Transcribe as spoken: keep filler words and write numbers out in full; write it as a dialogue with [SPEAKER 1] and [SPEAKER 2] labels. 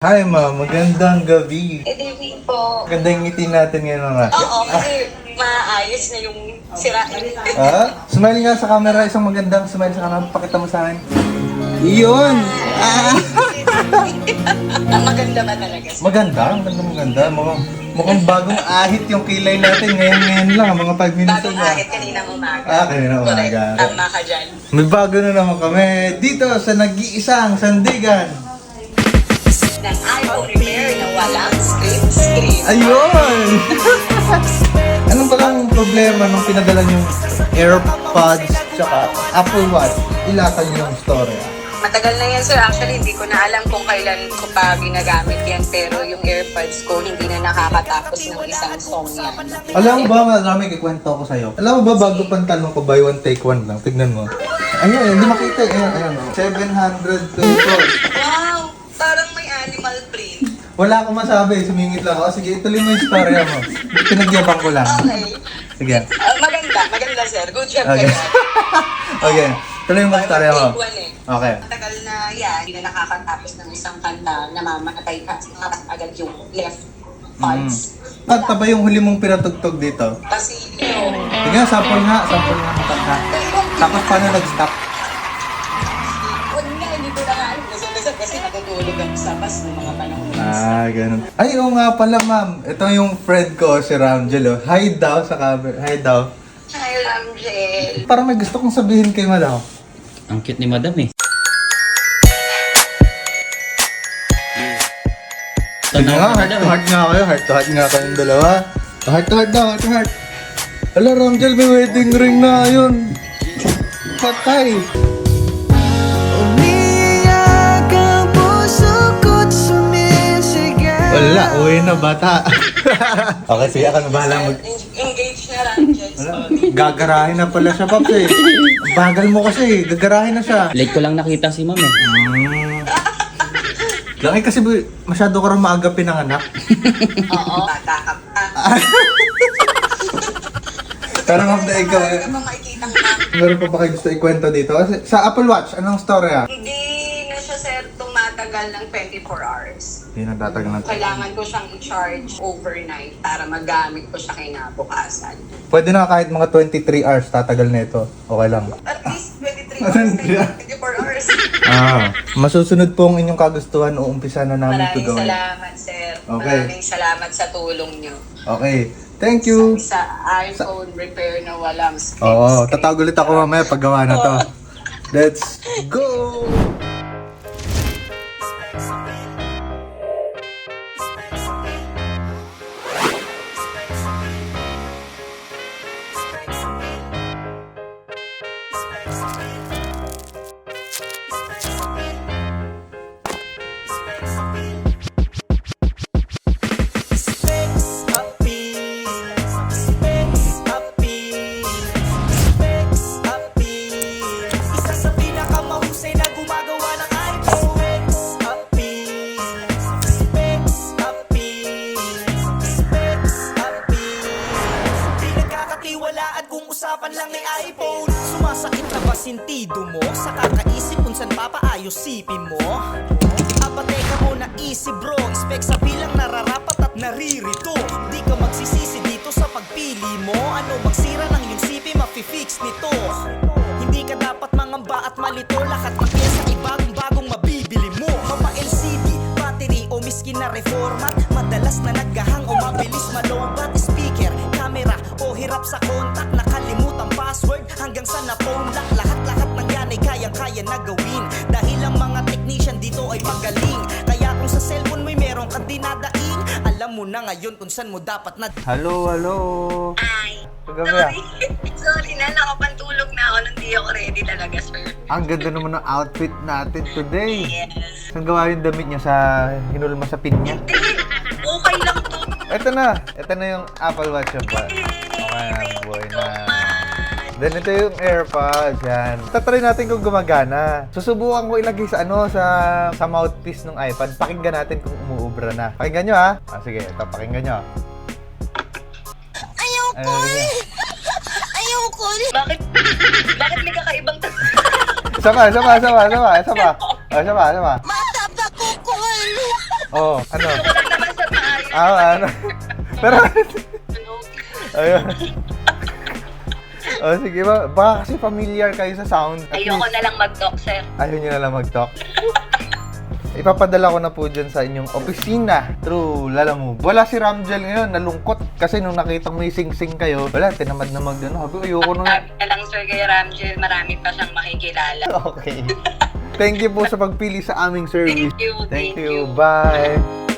[SPEAKER 1] Hi ma'am, magandang gabi.
[SPEAKER 2] Good evening po.
[SPEAKER 1] Magandang ngiti natin ngayon mga.
[SPEAKER 2] Oo, kasi maayos na yung sira.
[SPEAKER 1] Ah, smile nga sa camera, isang magandang smile sa camera. Pakita mo sa akin. Iyon! Ah!
[SPEAKER 2] Maganda ba talaga?
[SPEAKER 1] Maganda, maganda, maganda. Mukhang, mukhang bagong ahit yung kilay natin. Ngayon, ngayon lang, mga five minutes
[SPEAKER 2] Bagong
[SPEAKER 1] na.
[SPEAKER 2] ahit kaninang umaga.
[SPEAKER 1] Ah, kaninang umaga.
[SPEAKER 2] Correct. Tama ka dyan.
[SPEAKER 1] May bago na naman kami dito sa nag-iisang sandigan.
[SPEAKER 2] Ng iPhone repair na walang screen screen.
[SPEAKER 1] Ayun! Anong palang problema nung pinadala yung AirPods tsaka Apple Watch? Ilatan yung story.
[SPEAKER 2] Matagal na yan, sir. Actually, hindi ko na alam kung kailan ko pa ginagamit yan. Pero yung AirPods ko, hindi na nakakatapos ng isang song yan.
[SPEAKER 1] Alam mo ba, marami kikwento ko sa'yo. Alam mo ba, bago pang tanong ko, buy one, take one lang. Tignan mo. Ayan, hindi makita. Ayan, ayan. seven hundred pesos.
[SPEAKER 2] Wow! Parang may animal print.
[SPEAKER 1] Wala akong masabi. Sumingit lang ako. Sige, ituloy mo yung story mo. Pinagyabang ko lang.
[SPEAKER 2] Okay.
[SPEAKER 1] Sige.
[SPEAKER 2] Uh, maganda. Maganda, sir. Good job
[SPEAKER 1] Okay.
[SPEAKER 2] kayo.
[SPEAKER 1] Okay. Tuloy mo yung story mo.
[SPEAKER 2] Take one eh.
[SPEAKER 1] Okay.
[SPEAKER 2] Matagal na yan, hindi na nakakatapos ng isang kanta, namamatay ka, agad yung left parts.
[SPEAKER 1] At ba yung huli mong pinatugtog dito?
[SPEAKER 2] Kasi yun,
[SPEAKER 1] Tingnan, sample nga. Sample nga ng kanta. Tapos paano nag-stop?
[SPEAKER 2] wala nga, hindi ko na nga alam. Nasaan kasi natutulog ako sa bus ng mga panahon.
[SPEAKER 1] Ah, ganun. Ay, oo nga pala, ma'am. Ito yung friend ko, si Ramjel. Oh. Hi daw sa camera. Hi daw.
[SPEAKER 2] Hi, Ramjel.
[SPEAKER 1] Parang may gusto kong sabihin kay Madam.
[SPEAKER 3] Ang cute ni Madam eh.
[SPEAKER 1] Sige nga, heart to heart nga kayo. Heart to heart nga kayong dalawa. Heart to heart daw, heart to heart. Hala, Ramjel, may wedding ring na yun. Patay. Wala, uwi na bata. Okay, sige, ako na bahala mag...
[SPEAKER 2] Engage na, Ramjel.
[SPEAKER 1] Wala, gagarahin na pala siya, Paps eh. Ang bagal mo kasi, gagarahin na siya.
[SPEAKER 3] Late ko lang nakita si Ma'am eh.
[SPEAKER 1] Mm. Laki kasi bu- masyado ka rin maaga pinanganak.
[SPEAKER 2] Oo. Bata ka pa.
[SPEAKER 1] Pero ma'am na ikaw,
[SPEAKER 2] Ano ba makikita ka?
[SPEAKER 1] meron pa ba kayo gusto ikwento dito? Kasi sa Apple Watch, anong story ah?
[SPEAKER 2] Hindi na siya, sir, tumatagal ng twenty-four hours.
[SPEAKER 1] Hindi nagtatagal na.
[SPEAKER 2] Kailangan ko siyang i-charge overnight para magamit ko siya kinabukasan.
[SPEAKER 1] Pwede na kahit mga twenty-three hours tatagal na ito. Okay lang.
[SPEAKER 2] At least twenty-three hours, twenty-four hours.
[SPEAKER 1] Ah, masusunod po ang inyong kagustuhan o umpisa na namin ito
[SPEAKER 2] Maraming
[SPEAKER 1] gawin.
[SPEAKER 2] salamat, sir.
[SPEAKER 1] Okay.
[SPEAKER 2] Maraming salamat sa tulong nyo.
[SPEAKER 1] Okay. Thank you.
[SPEAKER 2] Sa, sa iPhone repair na walang screen.
[SPEAKER 1] Oo,
[SPEAKER 2] screen.
[SPEAKER 1] tatawag ulit ako mamaya pag gawa na to. Let's go!
[SPEAKER 4] Usapan lang ay iPhone. Sumasakit na ba sintido mo? Sa kakaisip kung saan papaayos sipin mo? Aba teka muna, easy bro. Spec sa bilang nararapat at naririto. Di ka magsisisi dito sa pagpili mo. Ano magsira ng yung sipi, mafi-fix nito. Hindi ka dapat mangamba at malito. Lahat ng pyesa ay bagong-bagong mabibili mo. Mapa L C D, battery o miskin na reformat. Madalas na naghahang o mabilis malobat. Speaker, camera o hirap sa kontak. Nakalimutan password hanggang sa na-phone lock. Lahat-lahat ng yan ay kayang-kaya na gawin. Dahil ang mga technician dito ay magaling. Kaya kung sa cellphone mo'y meron kang dinadaing, alam mo na ngayon kung saan mo dapat na...
[SPEAKER 1] Hello, hello.
[SPEAKER 2] Ay,
[SPEAKER 1] Pagabi ah.
[SPEAKER 2] sorry. Sorry na, nakapantulog na ako nung di ako ready talaga, sir.
[SPEAKER 1] Ang ganda naman ng outfit natin today.
[SPEAKER 2] Yes.
[SPEAKER 1] Saan gawa yung damit niya sa hinulma sa pin niya?
[SPEAKER 2] Hindi, okay lang to.
[SPEAKER 1] Ito na. Ito na yung Apple Watch yung ba? Okay na, boy na. Then ito yung AirPods, yan. Tatry natin kung gumagana. Susubukan ko ilagay sa ano, sa sa mouthpiece ng iPad. Pakinggan natin kung umuubra na. Pakinggan nyo ha. Ah, sige, ito, pakinggan nyo.
[SPEAKER 5] Ayoko! Ayoko!
[SPEAKER 2] Bakit? Bakit may kakaibang
[SPEAKER 1] Isa pa, isa pa, isa pa, isa pa, isa pa. Oh, isa pa, isa pa.
[SPEAKER 5] Matap na kukul!
[SPEAKER 1] Oh, ano?
[SPEAKER 2] Gusto ko lang naman sa maayos.
[SPEAKER 1] Ah, ano? Pero, ayun. Oh, sige ba? Baka kasi familiar kayo sa sound. At
[SPEAKER 2] Ayoko
[SPEAKER 1] least,
[SPEAKER 2] na lang mag-talk, sir.
[SPEAKER 1] ayaw nyo na lang mag-talk. Ipapadala ko na po dyan sa inyong opisina through Lalamove. Wala si Ramjel ngayon, nalungkot. Kasi nung nakita mo yung sing-sing kayo, wala, tinamad na mag, ano, sabi, ayoko na.
[SPEAKER 2] Sabi na lang, sir, kay Ramjel, marami pa siyang makikilala.
[SPEAKER 1] Okay. Thank you po sa pagpili sa aming service.
[SPEAKER 2] Thank you,
[SPEAKER 1] Thank
[SPEAKER 2] thank
[SPEAKER 1] you.
[SPEAKER 2] you.
[SPEAKER 1] Bye.